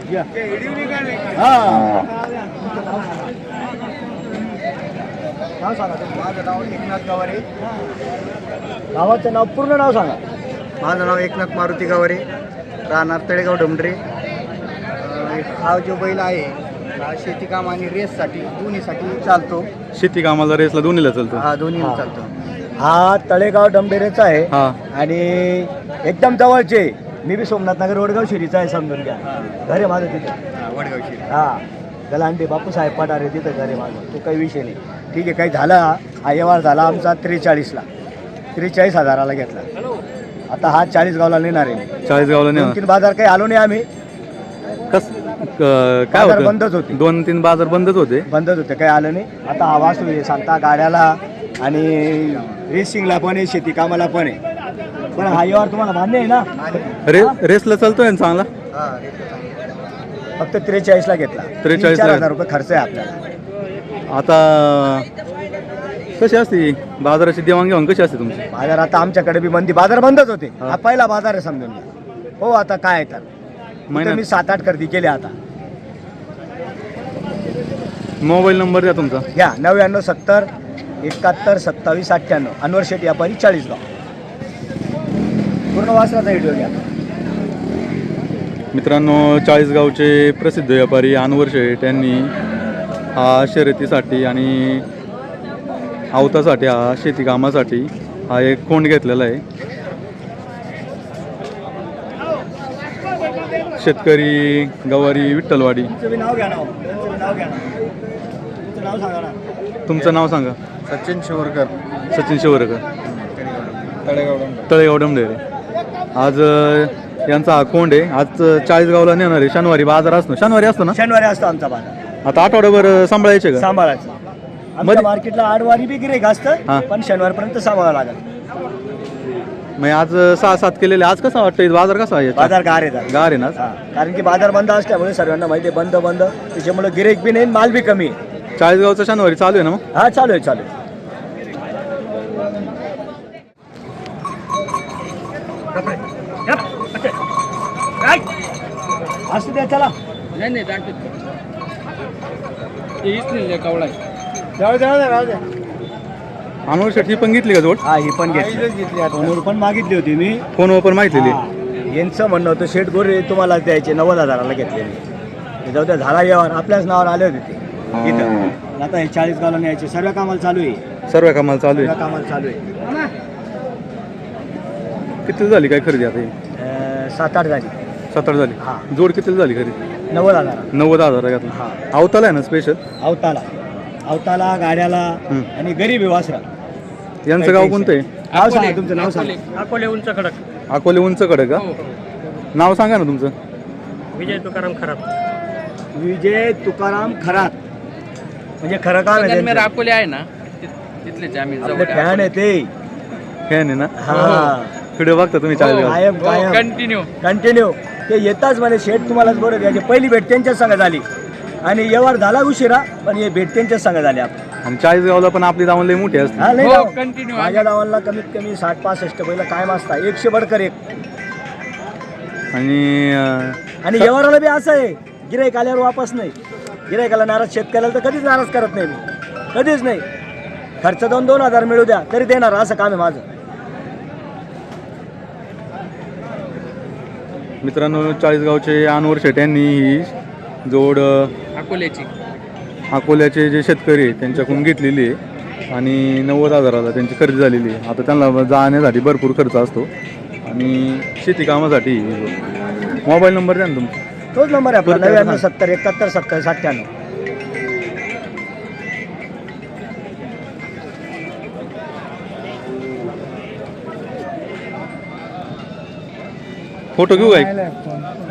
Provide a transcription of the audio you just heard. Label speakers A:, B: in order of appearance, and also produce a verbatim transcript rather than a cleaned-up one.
A: नाव सांगा तुम्ही. माझं नाव एकनाथ गावारे. गावाचं नाव पूर्ण नाव सांगा. माझं नाव एकनाथ मारुती गावारे, राहणार तळेगाव डोंबरे. हा जो बैल आहे हा शेती काम आणि रेससाठी दोन्हीसाठी चालतो.
B: शेती कामाला रेसला दोन्हीला चालतो.
A: हा दोन्हीला चालतो. हा तळेगाव डोंबरेचा आहे आणि एकदम जवळचे. मी बी सोमनाथ नगर वडगाव शिरीचा आहे, समजून घ्या. घर आहे माझं तिथे वडगाव शिरी. हा गलांडे बापू साहेब पठारे तिथं घर आहे माझं. तो काही विषय नाही. ठीक आहे, काही झाला हा व्यवहार झाला आमचा त्रेचाळीसला त्रेचाळीस हजाराला घेतला. आता हा चाळीस गावला नेणार आहे.
B: चाळीस गावला नेणार.
A: तीन बाजार काही आलो नाही आम्ही.
B: कस काय होतं?
A: बंदच होते. दोन
B: तीन बाजार बंदच होते
A: बंदच होते काही आलं नाही. आता हा वासू आहे सांगता गाड्याला आणि रेसिंगला पण आहे, शेती कामाला पण आहे. पण हा व्यवहार तुम्हाला मान्य आहे ना?
B: रे रेसला चालतोय ना चांगला.
A: फक्त त्रेचाळीसला घेतला.
B: त्रेचाळीस
A: हजार रुपये खर्च आहे आपल्याला.
B: आता कशी असते बाजाराची देवाणघेवाण कशी असते तुमची?
A: बाजार आता आमच्याकडे बी मंदी बाजार बंदच होते. हा पहिला बाजार आहे समजून घ्या. हो आता काय तर मी सात आठ खरेदी केली. आता
B: मोबाईल नंबर द्या तुमचा.
A: घ्या नव्याण्णव सत्तर एकाहत्तर सत्तावीस अठ्ठ्याण्णव. अनवर शेठ व्यापारी चाळीसगाव. पूर्ण वासराचा व्हिडिओ घ्या
B: मित्रांनो. चाळीसगावचे प्रसिद्ध व्यापारी अनवर शेठ यांनी हा शर्यतीसाठी आणि आवतासाठी हा शेती कामासाठी हा एक कोंड घेतलेला आहे. शेतकरी गवारी विठ्ठलवाडी. तुमचं नाव सांगा.
A: सचिन शिवरकर.
B: सचिन शिवरकर
A: तळेगाव
B: तळेगाव डमडेरे. आज यांचा हा कोंड आहे. आज चाळीसगावला नेणार आहे. शनिवारी बाजार असतो. शनिवारी असतो ना?
A: शनिवारी असतो आमचा बाजार.
B: आता आठवड्याभर सांभाळायचे का?
A: सांभाळायचं. आमच्या मार्केटला आठवारी बी गिऱ्हाईक असतं, पण शनिवारपर्यंत सांभाळावं लागेल.
B: मग आज सहा सात केलेले. आज कसं वाटतं बाजार कसा आहे?
A: बाजार गार आहे.
B: गार आहे ना?
A: कारण की बाजार बंद असल्यामुळे सर्वांना माहिती आहे बंद बंद त्याच्यामुळे गिऱ्हाईक बी नाही, माल बी कमी आहे.
B: चाळीसगावचा शनिवारी चालू आहे ना? मग
A: हा चालू आहे चालू आहे. असू द्या चला.
C: नाही नाही कवडा
A: जाऊ द्या राहू द्या.
B: अनवर शेठ ही पण घेतली का जोड?
A: हा ही पण घेतली. फोनवर पण मागितली होती मी.
B: फोनवर पण माहिती.
A: यांचं म्हणणं होतं शेठ गोरे तुम्हाला द्यायचे नव्वद हजाराला घेतलेले. जाऊ द्या झाला व्यवहार. आपल्याच नावावर आले होते ते इथं. आता हे चाळीस गावला न्यायचे. सर्व कामाला चालू आहे.
B: सर्व कामाला चालू आहे.
A: सर्व कामाला चालू आहे.
B: किती झाली काय खरेदी आता?
A: अं, सात आठ झाली.
B: सात आठ झाली.
A: हा.
B: जोड किती झाली खरेदी?
A: नव्वद हजार.
B: नव्वद हजार घेतला.
A: हा.
B: अवताला आहे ना स्पेशल?
A: अवताला अवताला गाड्याला आणि गरीब आहे वासरा.
B: यांचं गाव कोणतं आहे?
A: नाव सांगा तुमचं. नाव सांगा.
C: अकोले उंच खडक.
B: अकोले उंच कडे का? नाव सांगा ना तुमचं.
C: विजय तुकाराम खराब.
A: विजय तुकाराम खरात. म्हणजे खरं काम आहे त्यांचं.
C: अकोले आहे ना तिथलेच आम्ही.
A: आपले फॅन आहे ते.
B: फॅन आहे ना?
A: हा
B: व्हिडिओ बघता तुम्ही चाळीसगाव?
A: कायम कायम
C: कंटिन्यू
A: कंटिन्यू. ते येताच म्हणे शेठ तुम्हालाच बरं द्यायचे. पहिली भेट त्यांच्याच संघ झाली आणि व्यवहार झाला उशिरा, पण हे भेट त्यांच्याच संघ झाली. आपण
B: आणि चाळीसगावला पण आपली दावण लई मोठी असते.
A: हा नाही
C: हो,
A: जाऊ.
C: continue.
A: माझ्या गावाला कमीत कमी साठ पासष्ट पहिला कायम असता. एकशे बडकर एक.
B: आणि अं,
A: आणि व्यवहाराला बी असं आहे गिऱ्हाईक आल्यावर वापस नाही. गिऱ्हाईकाला नाराज शेतकऱ्याला तर कधीच नाराज करत नाही मी. कधीच नाही. खर्च दोन दोन हजार मिळू द्या तरी देणार. असं काम आहे माझं.
B: मित्रांनो चाळीसगावचे अनवर शेठ यांनी ही जोड
C: अकोल्याची
B: अकोल्याचे जे शेतकरी आहेत त्यांच्याकडून घेतलेली आहे आणि नव्वद हजाराला त्यांची खरेदी झालेली आहे. आता त्यांना जाण्यासाठी भरपूर खर्च असतो आणि शेती कामासाठी. मोबाईल नंबर द्या ना तुमचा.
A: तोच नंबर आहे आपला. नव्याण्णव सत्तर एकाहत्तर सत्तावीस अठ्ठ्याण्णव.
B: फोटो घेऊ काय?